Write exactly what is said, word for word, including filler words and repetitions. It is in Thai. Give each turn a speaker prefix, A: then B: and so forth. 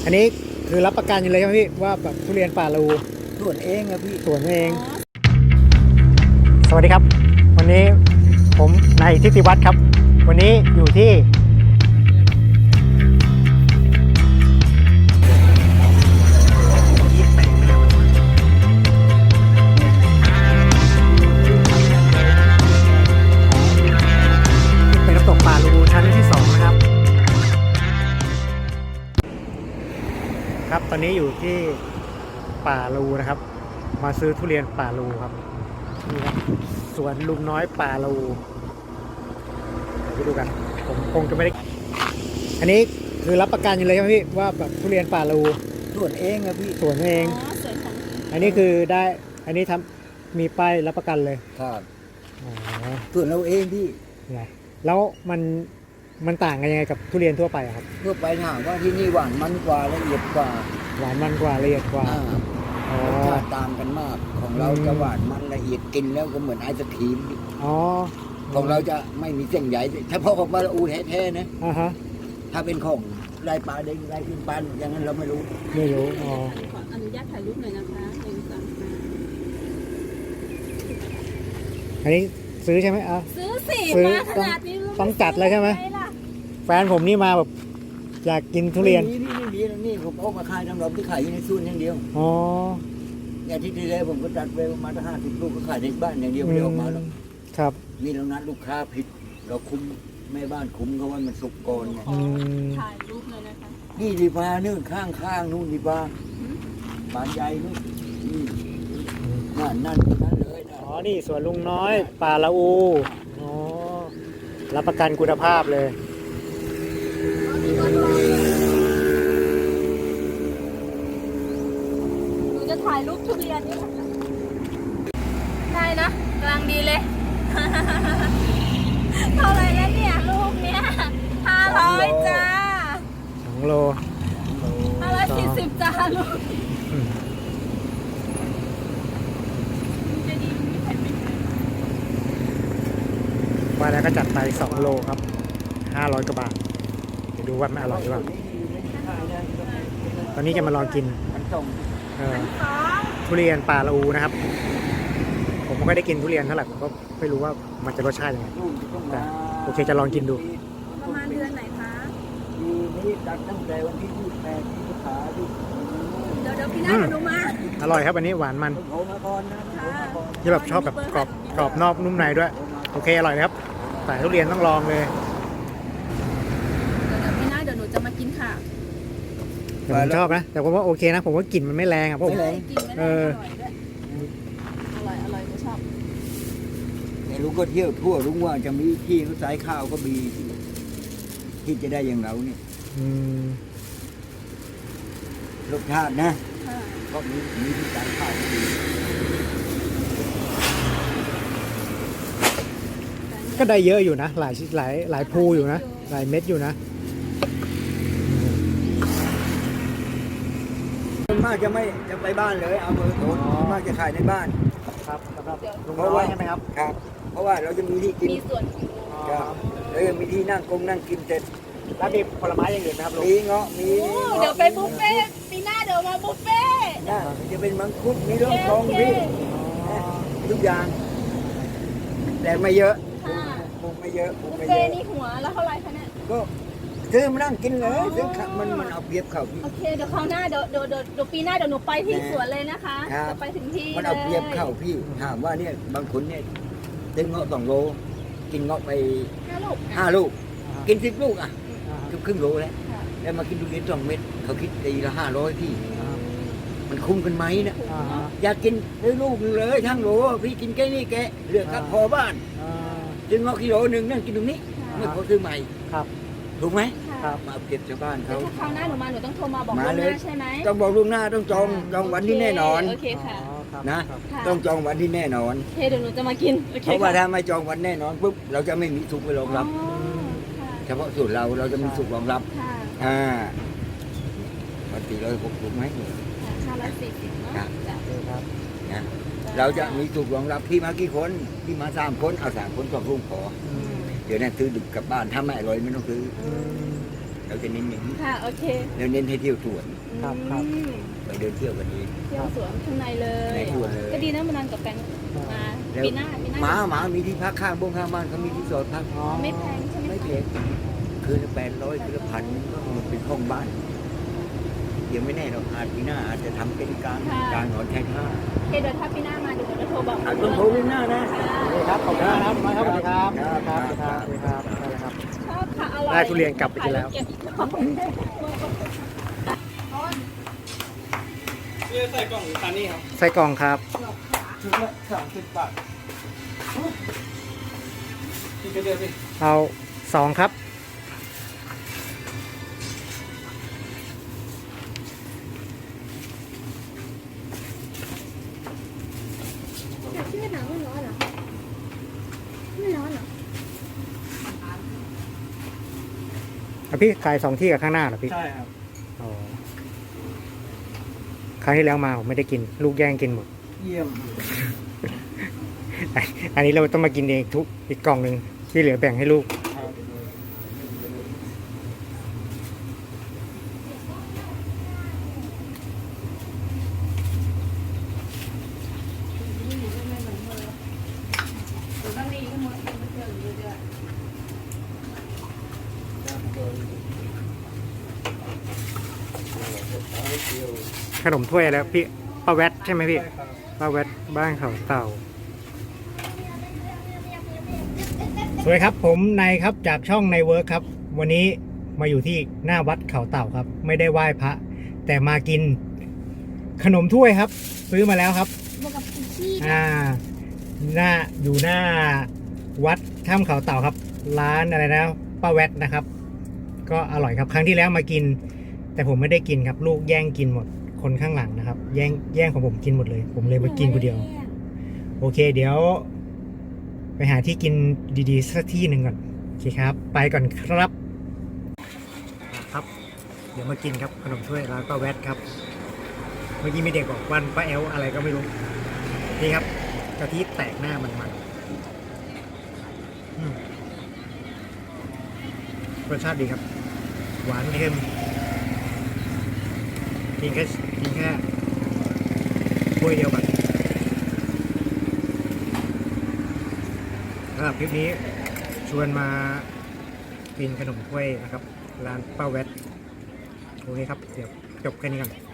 A: อันนี้คือรับประกันอยู่เลยครับพี่ว่าแบบทุเรียนป่าลู
B: สวนเองครับพี่
A: สวนเอง สวัสดีครับ วันนี้ผมนายทิติวัฒน์ครับ วันนี้อยู่ที่เป็นน้ำตกป่าลูชั้นที่สองนะครับครับตอนนี้อยู่ที่ป่าลูนะครับ มาซื้อทุเรียนป่าลูครับนี่ครับสวนลุงน้อยป่าลูเดี๋ยวไปดูกันผมคงจะไม่ได้อันนี้คือรับประกันอยู่เลยครับพี่ว่าแบบทุเรียนป่าลู
B: สวนเองครับพี่
A: สวนเอง
C: อ๋อสวนของ
A: อันนี้คือได้อันนี้ทำมีป้ายรับประกันเลย
B: ครับ
A: อ๋อ
B: สวนเราเองพี่
A: ไงแล้วมันมันต่างกันยังไงกับทุเรียนทั่วไปอะครับ
B: ทั่วไปถามว่าที่นี่หวานมันกว่าละเอียดกว่า
A: หวานมันกว่าละเอียดกว่า
B: อ่ารสชาติต่างกันมากของเราจะหวานมันละเอียดกินแล้วก็เหมือนไอศครีม
A: อ๋อ
B: ของเราจะไม่มีเส้นใหญ่เฉพาะของปลาอูแท้ๆนะ
A: อ่าฮะ
B: ถ้าเป็นของลายปลาเด้งลายขึ้นปลาอย่างนั้นเราไม่รู้
A: ไม่รู้อ๋อ
C: ขออนุญาตถ่ายรูปหน่อยนะคะหนึ่งสองสาม
A: อันนี้ซื้อใช่ไหมอ่ะ
C: ซื้อสิมาขนาดนี้
A: ต้องจัดเลยใช่ไหมแฟนผมนี่มาแบบอยากกินทุเรียน
B: นี่นี่นี่นี่ผมเอามาขายน้ำร้อนที่ขายอยู่ในซูนอย่างเดียว
A: อ๋อ
B: เนี่ยที่ที่แล้วผมก็จัดไปประมาณห้าสิบลูกก็ขายในบ้านอย่างเดียวไม่ได้ออกมาหรอก
A: ครับ
B: มีเรานัดลูกค้าผิดเราคุมแม่บ้านคุมเขาว่ามันสุกก่อนไง
C: ถ่ายรูปเลยนะคะ
B: นี่ดีฟ้านู่นข้างข้างนู่นดีฟ้าบานใหญ่นู่นนี่นั่นนั่นนั่นเลย
A: อ๋อนี่สวนลุงน้อยป่าละอูอ๋อรับประกันคุณภาพเลย
C: หนูจะถ่ายรูปทุเรียนนี่ได้นะกำลังดีเลยเท่าไรแล้วเนี่ยลูกเนี้ยห้าร้อยจ้า
A: สองโล
C: ห้าร้อยสี่สิบจ้าลูก
A: มาแล้วก็จัดไปสองโลครับห้าร้อยกว่าบาทเดี๋ยวดูว่ามันอร่อยหรือเปล่าตอนนี้จะมาลองกินทุเรียนป่าละอูนะครับผมไม่ค่อยได้กินทุเรียนเท่าไหร่ผมก็ไม่รู้ว่ามันจะรสชาติยังไงแต่โอเคจะลองกินดู
C: ประมาณเดือนไหนคะ
B: ปีนี้ตัดตั้งแต่วันที่ยี่สิบแปดที่ขาดิ
C: เดี๋ยวเดี๋ยวพี่น้าเดี๋ยวมา
A: อร่อยครับอันนี้หวานมันที่แบบชอบแบบกรอบกรอบนอกนุ่มในด้วยโอเคอร่อยครับแต่ทุเรียนต้องลองเลย
C: เดี๋ยวพี่น้าเดี๋ยวหนูจะมากินค่ะ
A: แต่ผมชอบนะแต่ผมว่าโอเคนะผมว่ากลิ่นมันไม่แรงอ่ะเพราะผมเออ
C: อร่อยอร่อยหนูชอบ
B: แต่ลุงก็เที่ยวทั่วลุงว่าจะมีที่เขาสายข้าวก็มีที่จะได้อย่างเราเนี่ยรสชาตินะก็มีมีที่สายข้าวก็มี
A: ก็ได้เยอะอยู่นะหลายหลายหลายภูอยู่นะหลายเม็ดอยู่นะ
B: มากจะไม่จะไปบ้านเลยเอาเบอร์โทรมากจะขายในบ้าน
A: ครับครับลุงน้อยใช่ไหมครับ
B: ครับเพราะว่าเราจะมีที่กิน
C: มีส่วน
B: ครับแล้วยังมีที่นั่งกงนั่งกินเสร็จ
A: แล้วมีผลไม้อย่างอื่นไหมครับลุง
B: มีเงาะมี
C: เดี๋ยวไปบุฟเฟ่ปีหน้าเดี๋ยวมาบุฟเฟ่
B: น่าจะเป็นมังคุดมีร่องทองพี่ทุกอย่างแต่ไม่เยอะปลูกไม่เยอะปลูกไม่เยอะ
C: บุฟเฟ่นี่หัวแล้วเท่าไรคะเนี่ย
B: ก็ซื้อมานั่งกินเลยซื้อมันมันเอาเปรียบเขา
C: โอเคเดี๋ยวคราวหน้าเดี๋ยวเดี๋ยวเดี๋ยวปีหน้าเดี๋ยวหนูไปที่สวนเลยนะคะจะไปถึงที่
B: มันเอาเปรียบเขาพี่ถามว่าเนี่ยบางคนเนี่ยซื้อเงาะสองโลกินเงาะไป
C: ห้าลูก
B: ห้าลูกกินสิบลูกอ่ะเกือบครึ่งโลแล้วแล้วมากินทุเรียนสองเม็ดเขาคิดตีละห้าร้อยพี่มันคุ้มกันไหมเนี่ยอยากกินซื้อลูกเลยทั้งโลพี่กินแค่นี้แกเหลือกับพอบ้านซื้อเงาะกิโลหนึ่งนั่งกินตรงนี้ไม่พอซื้อใหม่
A: ครับ
B: ถูกไหม
A: ครับ
B: มาเก็บชาวบ้านเขา
C: ถ้าคราวหน้าหนูมาหนูต้องโทรมาบอกล่วงหน้าใช่ไหม
B: ต้องบอกล่วงหน้าต้องจองจองวันที่แน่นอน
C: โอเคค่ะ
B: นะต้องจองวันที่แน่นอน
C: โอเคเดี๋ยวหนูจะมากิน
B: เพราะว่าถ้าไม่จองวันแน่นอนปุ๊บเราจะไม่มีสุกไปรองรับเฉพาะสูตรเราเราจะมีสุกรองรับอ่าปกติเราหกถูกไหม
C: ห้าร้อยสี่สิบเนาะ
B: ครับนะเราจะมีสุกรองรับที่มากี่คนที่มาสามคนเอาสามคนก็รุ่งขอเดี๋ยวนั้นซื้อดึกกลับบ้านถ้าไม่อร่อยไม่ต้องซื้อเราจะเน้นอย่างนี้
C: ค่ะโอเค
B: แล้วเน้นให้เที่ยวสวน
A: ครับครับ
C: อืม
B: ไปเดินเที่ยวกันนี้
C: เที่ยวสวนข้างในเลย
B: ในสวนเลย
C: ก็ดีนะมานอนกับแฟนมา
B: แล้ว
C: ปีหน้าปีหน้า
B: หมาหมามีที่พักข้างบ้งข้างบ้านเขามีที่จอดพัก
A: อ๋อ
C: ไม่แพงใช่ไหม
B: ไม่
C: คะ
B: แพงคืนละแปดร้อยคืนละพันก็มันเป็นห้องบ้านเดี๋ยวไม่แน่เราอาจปีหน้าอาจจะทำเป็นกลางกลางหนอนชายท่า
C: โอเคเดี๋ยวถ้าปีหน้ามาเดี๋ยวเราโทรบอก
B: อาจต้องโทรปีหน้านะ
C: ค่ะ
A: โอเคครับ ขอบคุณมากครับน้อยครับสวัสดีครับ
B: ครับ
A: สวัสดีครับสวัสดีครับได้เลยครับ
C: ชอบค่ะอร่อย
A: ได้ทุเรียนกลับไปกินแล้ว
C: เก็บอีกรอบ
D: เรียกใส่กล่องตานี่ครับ
A: ไส้กรองครับ
D: ชุดละสามสิบบาทกินกันเดียวดิ
A: เอาสองครับ
E: แต่ชื่อหนังไม่ร้อนเหรอไม่ร้อนเหรอ
A: แล้วพี่ขายสองที่กับข้างหน้าเหรอพี่
D: ใช่ครับ
A: อ๋อครั้งที่แล้วมาผมไม่ได้กิน ลูกแย่งกินหมด
D: เยี่ยม
A: อันนี้เราต้องมากินเองทุกอีกกล่องหนึ่งที่เหลือแบ่งให้ลูก ขนมถ้วยแล้วพี่ป้าแวดใช่ไหมพี่
D: ใช่ครับ
A: ป้าแวดบ้านเขาเต่า สวัสดีครับผมนายครับจากช่องในเวิร์คครับ วันนี้มาอยู่ที่หน้าวัดเขาเต่าครับ ไม่ได้ไหว้พระ แต่มากินขนมถ้วยครับ ซื้อมาแล้วครับ
E: บวกกับอีกที่
A: อ่าหน้าอยู่หน้าวัดถ้ำเขาเต่าครับ ร้านอะไรนะป้าแวดนะครับ ก็อร่อยครับครั้งที่แล้วมากิน แต่ผมไม่ได้กินครับ ลูกแย่งกินหมดคนข้างหลังนะครับ แย่งแย่งของผมกินหมดเลย ผมเลยมากินคนเดียว โอเค เดี๋ยว ไปหาที่กินดีๆสักที่หนึ่งก่อนโอเคครับ ไปก่อนครับครับ เดี๋ยวมากินครับขนมถ้วยร้านป้าแวดครับ เมื่อกี้มีเด็กบอกวันป้าแอลอะไรก็ไม่รู้ นี่ครับกะทิแตกหน้ามันมันอืมรสชาติดีครับ หวานเค็มกินแค่กินแค่ถ้วยเดียวกันสำหรับคลิปนี้ชวนมากินขนมถ้วยนะครับ ร้านป้าแวดโอเคครับ เดี๋ยวจบแค่นี้กัน